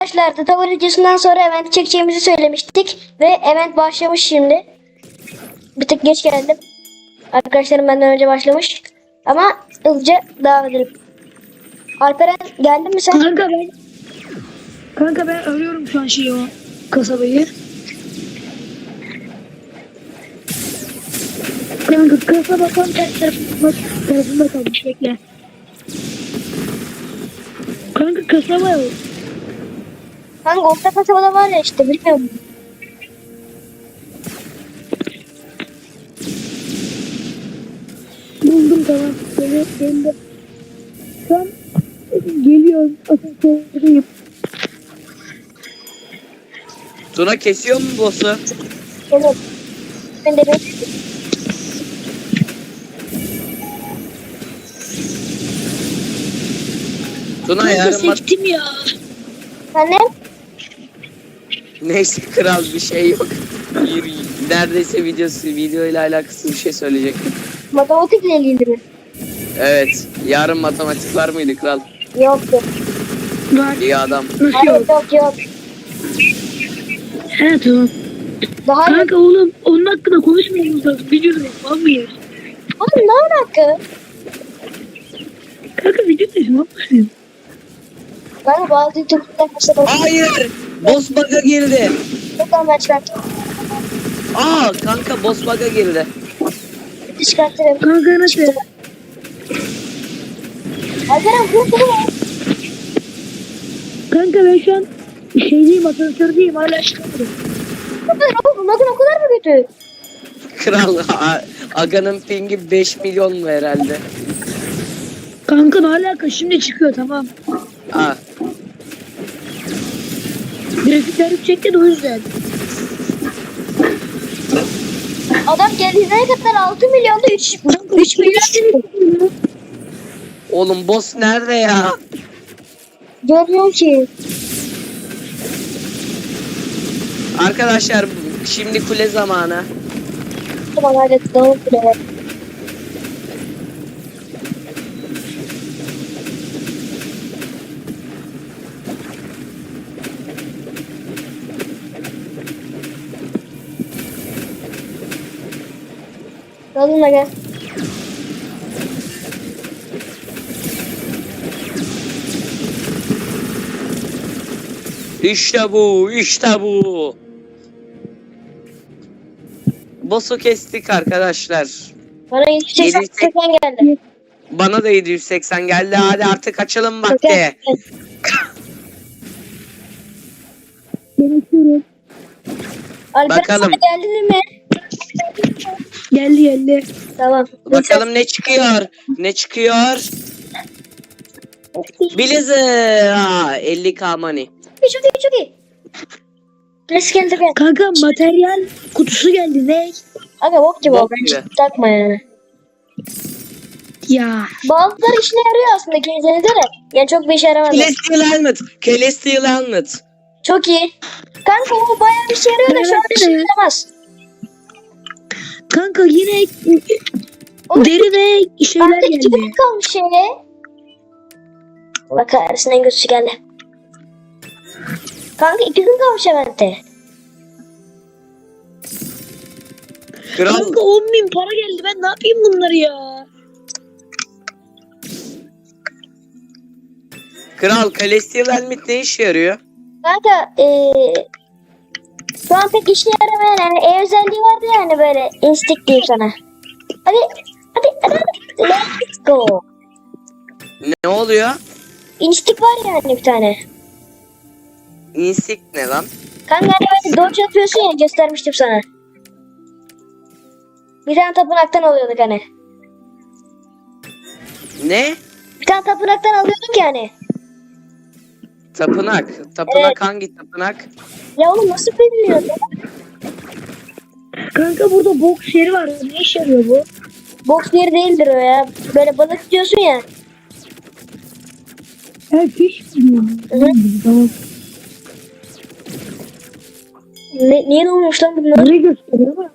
Arkadaşlar da tavır videosundan sonra event çekeceğimizi söylemiştik ve event başlamış şimdi. Bir tık geç geldim. Arkadaşlarım benden önce başlamış. Ama hızlıca devam edelim. Alperen geldin mi sen? Kanka ben arıyorum şu an o kasabayı. Kanka kasaba tam ters tarafında kalmış, bekle. Kanka kasaba yok. Kanka orta kasabada var ya işte, bilmiyorum. Buldum, tamam. Benim de. Şu an geliyorum. Asansördeyim. Tuna kesiyor mu boss'u? Evet. Ben de Tuna Kanka yarın sektim ya. annem. Neyse kral bir şey yok. Neredeyse video ile alakası bir şey söyleyecektim. Matematikle ilgili mi? Evet. Yarın matematik var mıydı kral? Yoktu. Var. İyi adam. Nasıl Hayır, yok? yok. He tamam. Daha yok. Kanka oğlum onun hakkında konuşmayalım lazım. Videoda yapmam mıyız? Oğlum ne alaka? Kanka videoda yapmam mıyız? Ben bazı YouTube'da kasabada. Hayır. Boss bug'a girdi. Buradan ben çıkarttım. Kanka boss bug'a girdi. Çıkarttım. Kanka nasıl? Alperen bu mu? Kanka ben şu an şeydeyim, asansördeyim, hala çıkamadım. Bakın o kadar mı kötü? Kral Aga'nın pingi 5 milyon mu herhalde? Kanka ne alaka, şimdi çıkıyor, tamam. Aa. Grafikler yüksekti de o yüzden. Adam geldiğine kadar 6 milyonda 3 milyon. Oğlum boss nerede ya? Görmüyorum ki. Arkadaşlar şimdi kule zamanı. Tamam hadi tutalım bile. Dalın da gel. İşte bu. Boss'u kestik arkadaşlar. Bana 180 geldi. Bana da 780 geldi. Hadi artık açalım vakti. Ben açıyorum. Alperen Bakalım. sana geldi mi? Geldi. Tamam. Bakalım ne çıkıyor? Blizzard. 50k money. Çok iyi. Nasıl geldi be? Kanka materyal kutusu geldi, ne? Aga bok gibi Bok o. Ben gibi. hiç takma yani. Ya. Bazıları işine yarıyor aslında, kendinize de. Yani çok bir işe yaramadı. Celestial Helmet. Çok iyi. Kanka o bayağı bir işe yarıyor da şu an Evet, işe evet. yaramaz. Kanka yine Oğlum, deri ve şeyler bende 2 geldi. gün kalmış şeye. Bak kahretsin, en kötüsü geldi. Kanka 2 gün kalmış evente. Kral. Kanka 10.000 para geldi, ben ne yapayım bunları ya? Celestial Helmet ne işe yarıyor? Kanka şu an pek işe yaramayan yani özelliği vardı yani, böyle instinct diyeyim sana. Hadi. Let's go. Ne oluyor? İnstinct var yani bir tane. Insect ne lan? Kanka hani böyle dodge yapıyorsun ya, göstermiştim sana. Bir tane tapınaktan alıyorduk hani. Ne? Bir tane tapınaktan alıyorduk yani. Tapınak. Evet. Hangi tapınak? Ya oğlum nasıl bilmiyorum. Kanka burada boks yeri var, ne işe yarıyor bu? Boks yeri değildir o ya. Böyle balık tutuyorsun ya. He, fiş mi? Hı. Tamam. Niye olmuş lan bunlar? Burayı gösteriyor ama.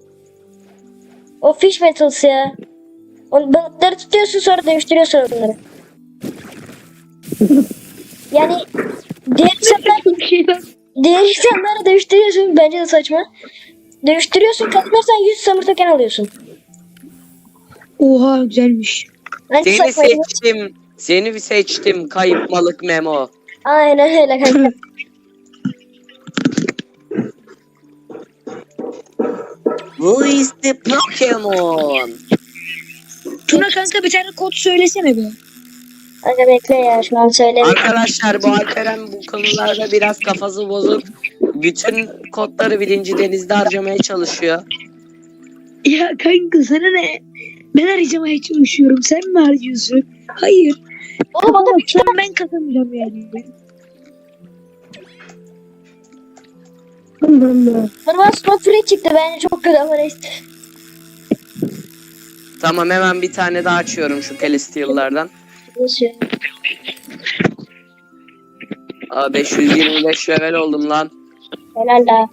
O fish battles ya. O balıkları tutuyorsun, sonra dövüştürüyorsun onları. Yani Diğer insanlar, Bir şey lan. diğer insanları dövüştürüyorsun. Bence de saçma. Dövüştürüyorsun. Kazanırsan 100 samur token alıyorsun. Oha güzelmiş. Bence Seni saçma. seçtim. Seni seçtim kayıp balık Memo. Aynen öyle kanka. Who is the Pokemon? Tuna kanka bir tane kod söylesene be. Kanka bekle ya şu an söyleyeyim. Arkadaşlar bu Alperen bu konularda biraz kafası bozuk. Bütün kodları birinci denizde harcamaya çalışıyor. Ya kanka sana ne? Ben harcamaya çalışıyorum. Sen mi harcıyorsun? Hayır. Oğlum Ama adam şu an ben kazanacağım yani. Allah Allah. normal spot free çıktı. Bence çok kötü ama neyse. Tamam hemen bir tane daha açıyorum şu Celestial'lardan. Nasıl? Aa 525 level oldum lan. Helal la.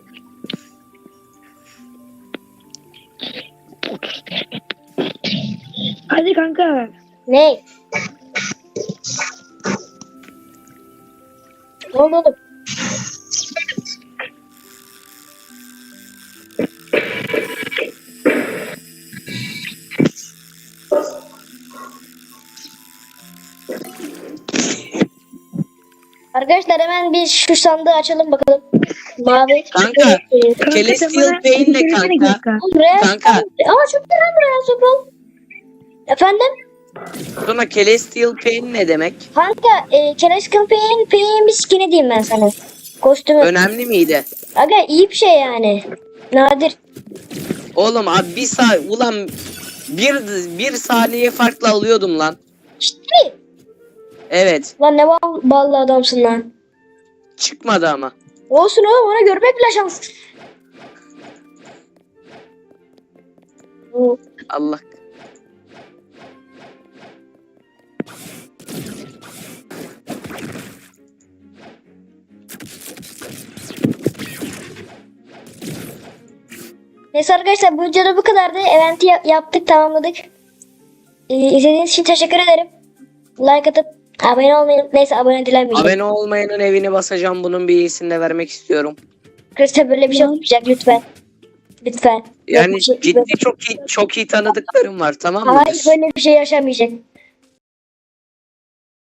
Hadi kanka. Ne? Ne oldu oğlum? Arkadaşlar hemen bir şu sandığı açalım bakalım. Mavi. Kanka. Kanka Celestial sen bana Pain ne söylesene kanka? Buraya Kanka. Ama çok güzel buraya sopal. Efendim? Sonra Celestial Pain ne demek? Kanka Keres Pain bir skin'i diyeyim ben sana. Kostümü. Önemli miydi? Aga iyi bir şey yani. Nadir. Oğlum abi ulan bir saniye farklı alıyordum lan. Ciddi mi? Evet. Lan ne ballı adamsın lan. Çıkmadı ama. Olsun oğlum ona görmek bile şans. Allah. Neyse arkadaşlar bu videoda bu kadardı. Event'i yaptık, tamamladık. İzlediğiniz için teşekkür ederim. Like atıp abone olmayı, neyse abone dilenmeyeceğim. Abone olmayanın evini basacağım. Bunun bir iyisini de vermek istiyorum. Arkadaşlar böyle bir şey olmayacak lütfen. Lütfen. Yani Böyle bir şey- ciddi çok iyi tanıdıklarım var, tamam mı? Hayır böyle bir şey yaşamayacak.